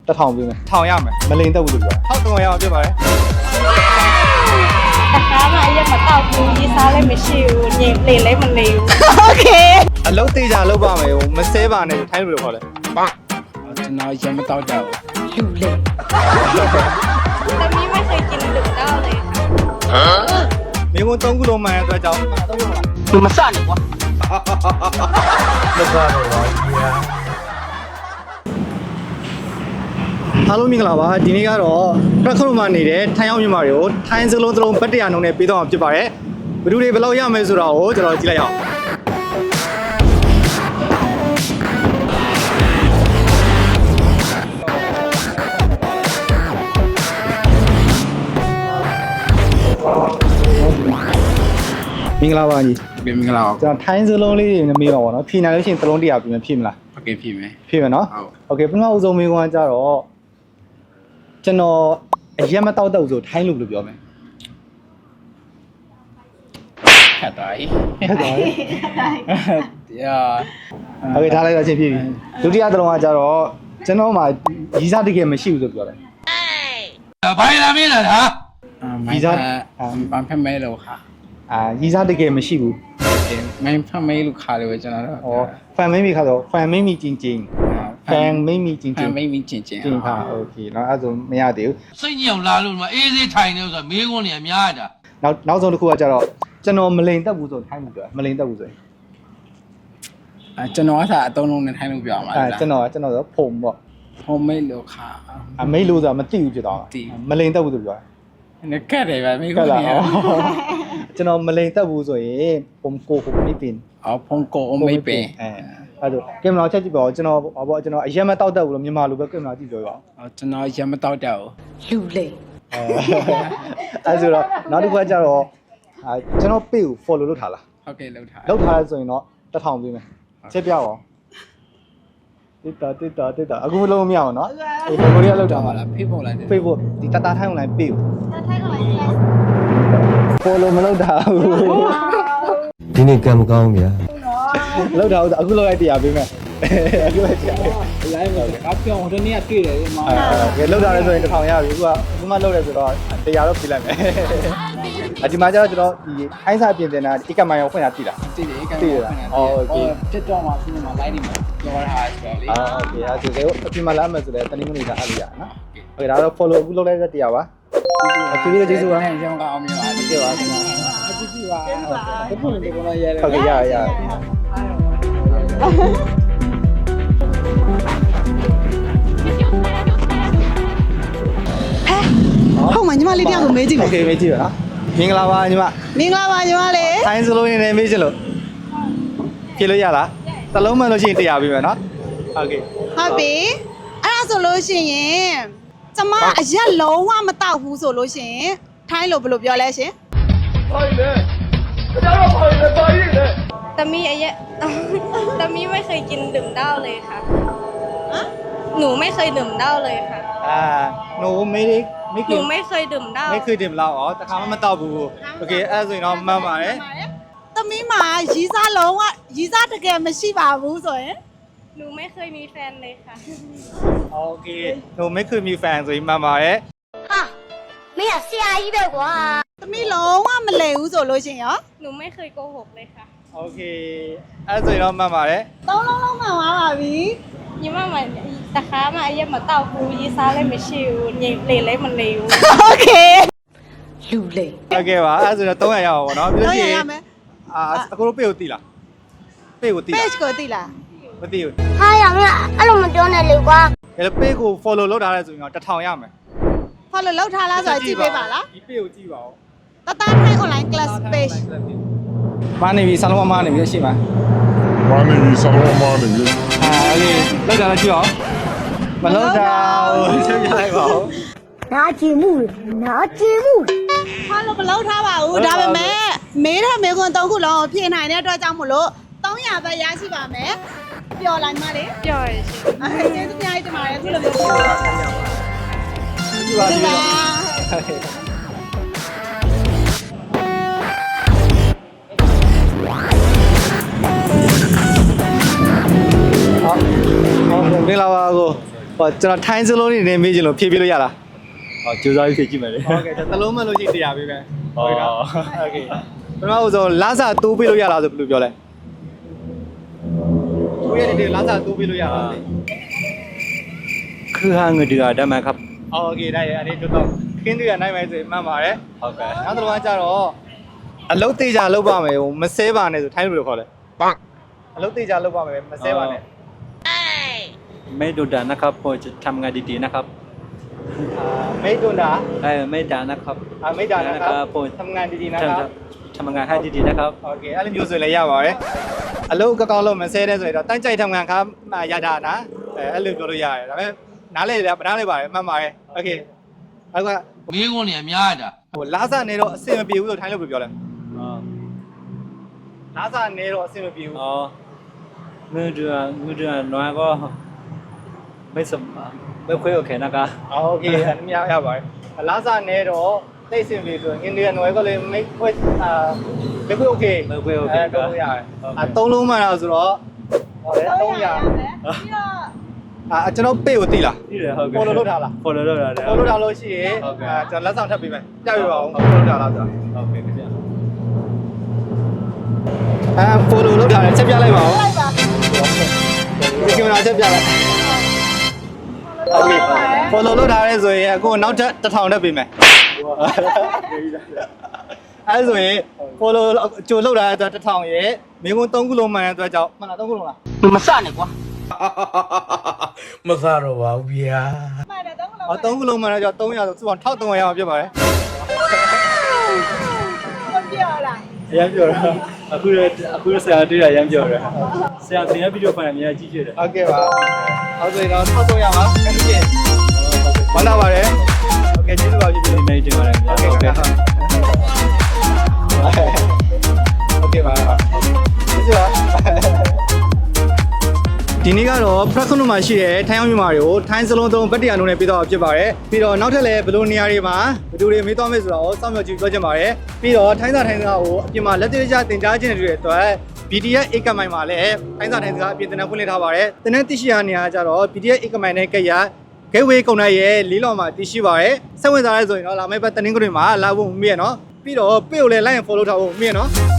1000ပေးမယ်1000ရမယ်မလိန်တက်ဘူးလို့ပြော1300ရအောင်ပြပါလေတခါမှအရက်မတော့ဘူးရေးစားလည်းမရှိဘူးညင်လေလည်းမနေဘူးโอเคအလုံးသေးကြလောက်ပါမယ်ဟိုမစဲပါနဲ့ထိုင်းလို့ခေါ်လဲပန်းကျွန်တော်ရမတော့တော့လူလေသမီးไม่เคยกินดึกတော့เลยค่ะမင်းက3ခုလုံးမှန်တဲ့အတွက်ကြောင့်လူမစနဲ့ကွာမစားတော့ပါဘူးအားလုံးမင်္ဂလာပါဒီနေ့ကတော့ပရခရုံမှာနေတဲ့ထိုင်းအောင်မြန်မာတွေကိုထိုင်းစလုံးဘတ်100နှုန်းနဲ့ပေးတော့မှာဖြစ်ပါတယ်ဘယ်သူတွေဘယ်လောက်ရမယ်ဆိုတာကိုကျွန်တော်ကြည့်လိုက်အောင်မင်္ဂလာပါညီပြင်မင်္ဂလာပါကျွန်တော်ထိုင်းစလုံးလေးတွေမေးပါဘောနော်ဖြေနိုင်လို့ရှိရင်သလုံး100ပြင်မလားโอเคပြင်မယ်ဖြေမယ်နော်โอเคပထမဦးဆုံးမေးခွန်းကကြတော့ကျွန်တော်အရက်မတောက်တော့ဆိုထိုင်းလို့ပြောမယ်ခတ်သွားပြီဟုတ်တယ်တရားโอเคထားလိုက်တော့ချင်းပြပြီဒုတိယသလုံးကကြတော့ကျွန်တော်မှရီးစားတကယ်မရှိဘူးဆိုပြောတယ်ဘိုင်လာမင်းလားဟာမိုင်းဘန်ဖက်မဲလို့ခါရီးစားတကယ်မရှိဘူးမိုင်းဖက်မဲလို့ခါလို့ကျွန်တော်တော့ဩဖန်မင်းမိခါတော့ဖန်မင်းမိချင်းချင်းဖန်မင်းမိချင်းဖချင်းန်မိမချင်းချင်းချင်းခါโอเคနော်အဲ့ဆိုမရသေးဘူးစိတ်ညစ်အောင်လာလို့ဒီမှာအေးစေးထိုင်နေလို့ဆိုတော့မေးခွန်းနေအများတာနောက်ဆုံးတစ်ခုကကြတော့ကျွန်တော်မလိန်တက်ဘူးဆိုထိုင်းလို့ပြောမလိန်တက်ဘူးဆိုရင်ကျွန်တော်ကသာအသုံးလုံးနဲ့ထိုင်းလို့ပြောမှာလားကျွန်တော်ဆိုဖုံပေါ့ဟိုမိတ်လို့ခါအမိတ်လို့ဆိုတာမသိဘူးဖြစ်သွားမလိန်တက်ဘူးဆိုပြောနကတ်တယ်ဗျမိကကောလာနေကျွန်တော်မလိန်တက်ဘူးဆိုရင်ပုံကိုမိပင်အော်ဖုန်ကိုအမိတ်ပင်အဲ့ဒါကင်မရာချက်ကြည့်ပါဦးကျွန်တော်ကျွန်တော်အရက်မတောက်တက်ဘူးလို့မြန်မာလိုပဲကင်မရာကြည့်ပြောပါဦးကျွန်တော်ရမတော့တော့လူလေအဲ့ဆိုတော့နောက်တစ်ခါကျတော့ကျွန်တော် page ကို follow လုပ်ထားလားဟုတ်ကဲ့လောက်ထားလုပ်ထားလဲဆိုရင်တော့1000ပေးမယ်ချက်ပြအောင်တစ်တာအခုမလုံးမရအောင်နော်ဟိုကိုရီးယားလောက်တာပါလားဖေးဖို့လိုက်တယ် Facebook ဒီတတာထိုင်း online page ถ้าไทยก็ไลฟ์ follow မလုပ်တာဘူးဒီနေ့ကံမကောင်းဗျာလောက်တာအခုလောက်လိုက်တရားပေးမယ်အခုလိုက်တရားလိုင်းမှာကပြောင်းဟိုနေ့ကတွေ့တယ်ဒီမှာကဲလောက်တာလဲဆိုရင်1000ရပြီအခုမှလောက်တယ်ဆိုတော့တရားတော့ပေးလိုက်မယ်ဒီမှာကျတော့ကျွန်တော်ဒီအိုင်းစာပြင်တင်တာဧကမိုင်ရောက်ဖွင့်တာသိလားတည်တယ်ကံ တက်တော့မှပြင်မှာ live ဒီမှာပြောရတာဆိုတော့လေโอเคအဲ့ဒါဆိုအပြင်မှာလာမယ်ဆိုတော့တနင်္ဂနွေကအဲ့လိုရနော်โอเคဒါတော့ follow အခုလုပ်လိုက်တဲ့တရားပါကျေးဇူးပါရောင်းကအောင်မြင်ပါကျေးဇူးပါခင်ဗျာကျေးဇူးပါဘယ်ပုံဒီကောင်ရဲလဲဟုတ်ကဲ့ရဟုတ်မှာညီမလေးတယောက်ကိုမေးကြည့်โอမယ်เคမေးကြည့်ပါနော်မင်္ဂလာပါညီမမင်္ဂလာပါညီမလေးထိုင်းစလုံးနေနေမေးချင်လို့ဖြေလို့ရလားတလုံးမှလို့ရှိရင်တရားပေးမယ်နော်โอเคဟုတ်ပြီအဲ့ဒါဆိုလို့ရှိရင်ကျမအရက်လုံးဝမတောက်ဘူးဆိုလို့ရှိရင်ထိုင်းလို့ဘယ်လိုပြောလဲရှင်သမီးအရက်သမီးไม่เคยกินดื่มเหล้าเลยค่ะหนูไม่เคยดื่มเหล้าเลยค่ะหนูไม่ได้ไม่หกินูนไม่เคยดื่มเหล้าไม่เคยดื่มเหล้าอ๋อตะคาไม่တောက်ဘူးโอเคအဲ့ဆိုရင်တော့မှန်ပါတယ်သမီးမှာရီးစားလုံးဝရီးစားတကယ်မရှိပါဘူးဆိုရင်หนูไม่เคยมีแฟนเลยค่ะโอเคหนูไม่เคยมีแฟนဆိုရင်မှန်ပါတယ်ไม่อยากเสียอีกแบบว่าသမီးလုံးဝမလဲဘူးဆိုလို့ရှိရင်ရောหนูไม่เคยโกหกเลยค่ะโอเคအဲ့ဆိုရင်တော့မှန်ပါတယ်သုံးလုံးလုံးမှန်သွားပါပြီညီမမတခါမှအရက်မတော့ဘူးရေးစားလည်းမရှိဘူးညင်လေလည်းမနေဘူးโอเคလူလေโอเคပါအဲ့ဆိုတော့300ရအောင်ပေါ့နော်ပြီးတော့လို့ရှိရရရင်မယ်အခုတို့ page ကိုသိလား page ကိုသိလား page ကိုသိလားမသိဘူးဟာရမအဲ့လိုမပြောနဲ့လေကွာဒါ page ကို follow လုပ်ထားရဲဆိုရင်တော့1000ရမယ်ဖလို့လောက်ထားလားဆိုတော့ကြည့်ပေးပါလားဒီ page ကိုကြည့်ပါဦးတတထိုင်း online class page မာနေပြီဆာလုံးမာနေပြီရှိမှာ Money, someone money. โอเคလောက်တာကြည့်အောင်မလောက်တာဘူးဆက်ပြလိုက်ပါဦးနာကြည့်မှုနာကြည့်မှုဖလို့မလောက်ထားပါဘူးဒါပေမဲ့မေးတဲ့မေးခွန်း၃ခုလုံးကိုဖြေနိုင်တဲ့အတွက်ကြောင့်မို့လို့300ပဲရရှိပါမယ်ပျော်လိုက်မလေးပြောရရှင်ကျေးဇူးများကြီးတင်ပါတယ်ခုလိုမျိုးပြောပါကြည့်ပါကြည့်ပါဟုတ်မင်္ဂလာပါကိုဟောကျွန်တော်ထိုင်းစလုံးနေနေမေးချင်လို့ဖြည့်ပြလို့ရလားဟောကြိုးစားပြီးဖြည့်ကြည့်မယ်လေဟုတ်ကဲ့သလုံးမလို့ရှိရင်တရားပေးမယ်ဟုတ်ကဲ့โอเคပထမဆုံးလာစာတိုးပေးလို့ရလားဆိုဘယ်လိုပြောလဲကိုရတဲ့လာစာတိုးပေးလို့ရလားคือหาเงินเดือนได้ไหมครับโอเคได้အဲ့ဒီတော့ခင်းတွေကနိုင်မယ်ဆိုရင်မှန်ပါတယ်ဟုတ်ကဲ့နောက်တစ်ခါကျတော့အလုတ်သေးချာလုတ်ပါမယ်ဟိုမဆဲပါနဲ့ဆိုထိုင်းလိုခေါ်လဲပတ်အလုတ်သေးချာလုတ်ပါမယ်မဆဲပါနဲ့ไม่ดุดันนะครับพอจะทำงานดีๆนะครับမိတ်တွန်းတာไม่ด่านะครับမိတ်တာนะครับผมทำงานดีๆนะครับทำงานให้ดีๆนะครับโอเคအဲ့လိုမျိုးဆိုလည်းရပါတယ်အလုတ်ကောင်းလို့မဆဲတဲ့ဆိုရင်တော့တိုင်းကြိုက်ทำงานครับရတာနာအဲ့လိုပြောလို့ရတယ်ဒါပေမဲ့နားလေလည်းမနားလေပါတယ်မှန်ပါတယ်โอเคနောက်ကမင်းကုန်နေအများတာဟိုလာစာနေတော့အဆင်မပြေဘူးလို့ထိုင်းလို့ပြောလဲလာစာနေတော့အဆင်မပြေဘူးอ๋อเงินเดือนน้อยก็ไม่สมไม่ค่อยโอเคนะครับโอเคอันนี้ရပါတယ်လာစာနေတော့သိစင်ပြီဆိုရင်အိန္ဒိယနွယ်ကလည်းမိတ်ခွဲမိတ်ခွဲโอเคไม่ค่อยโอเคคတော့รับရတယ်သုံးလုံးမှတော့ဆိုတော့ဟောလေ300 ပြီးတော့ကျွန်တော်ပေ့ကိုတိလားนี่เลยဟုတ်ကဲ့ follow လုပ်ထားလား follow လုပ်ထားတယ် follow ထားလို့ရှိရင်ကျွန်တော်လက်ဆောင်ထပ်ပေးမယ်ပြပြပါအောင် follow လုပ်ထားလားဆိုတာဟုတ်ကဲ့ခင်ဗျာ follow လုပ်ထားတယ်ချက်ပြလိုက်ပါဦးလိုက်ပါဒီကင်မရာချက်ပြလိုက်โอเค follow လုပ်ထားရဲဆိုရင်အခုနောက်ထပ်1000တက်ပေးမယ်အဲဆိုရင် follow ကြိုလုပ်ထားတဲ့အတွက်1000ရဲ့မင်းကုန်း3ခုလုံးမှန်တဲ့အတွက်ကြောင့်မှန်လား3ခုလုံးလားမစနဲ့ကွာမစတော့ပါဘူးဗျာမှန်တယ်တော့လုံးဟော3ခုလုံးမှန်တဲ့ကြောင့်300ဆိုစုပေါင်း1300အောင်ဖြစ်ပါတယ်ကိုပြောလားအရင်ပြောတာအခုဆရာတွေ့တာအရင်ပြောတာဆရာသင်ရဗီဒီယိုဖိုင်အများကြီးကြည့်ရတယ်ဟုတ်ကဲ့ပါဟုတ်ဆိုရင်တော့1300ပါခဏကြည့်မနာပါတယ်โอเคကျေးဇူးပါပြည့်ပြည့်နေတင်ပါတယ်ခင်ဗျာဟုတ်ကဲ့โอเคပါကျေးဇူးပါဒီနေ့ကတော့ဖရက်ခနုမှာရှိတဲ့ထိုင်းအောင်မြန်မာတွေကိုထိုင်းစလုံးသုံးဗတ်တရားလုံးနဲ့ပြီးတော့ဖြစ်ပါတယ်ပြီးတော့နောက်ထပ်လည်းဘယ်လိုနေရာတွေမှာဘယ်သူတွေမေးသွားမယ်ဆိုတော့စောင့်မျှော်ကြည့်ပြောချင်ပါတယ်ပြီးတော့ထိုင်းစာကိုအပြင်မှာလက်တွေ့ကျသင်ကြားခြင်းတွေအတွက် BTS ဧကမိုင်မှာလည်းထိုင်းစာအပြင်သင်တန်းဖွင့်လှစ်ထားပါတယ်သင်တန်းသိရှိရနေရကြတော့ BTS ဧကမိုင်နဲ့ကရGateway ကုန်တိုင်းရဲ့လေးလောင်မှာတည်ရှိပါတယ်စိတ်ဝင်စားရဲဆိုရင်တော့လာမယ့်ပတ်တနင်္ဂနွေမှာလာဖို့မမေ့ရနော်ပြီးတော့ပေကိုလည်း like and follow ထားဖို့မမေ့ရနော်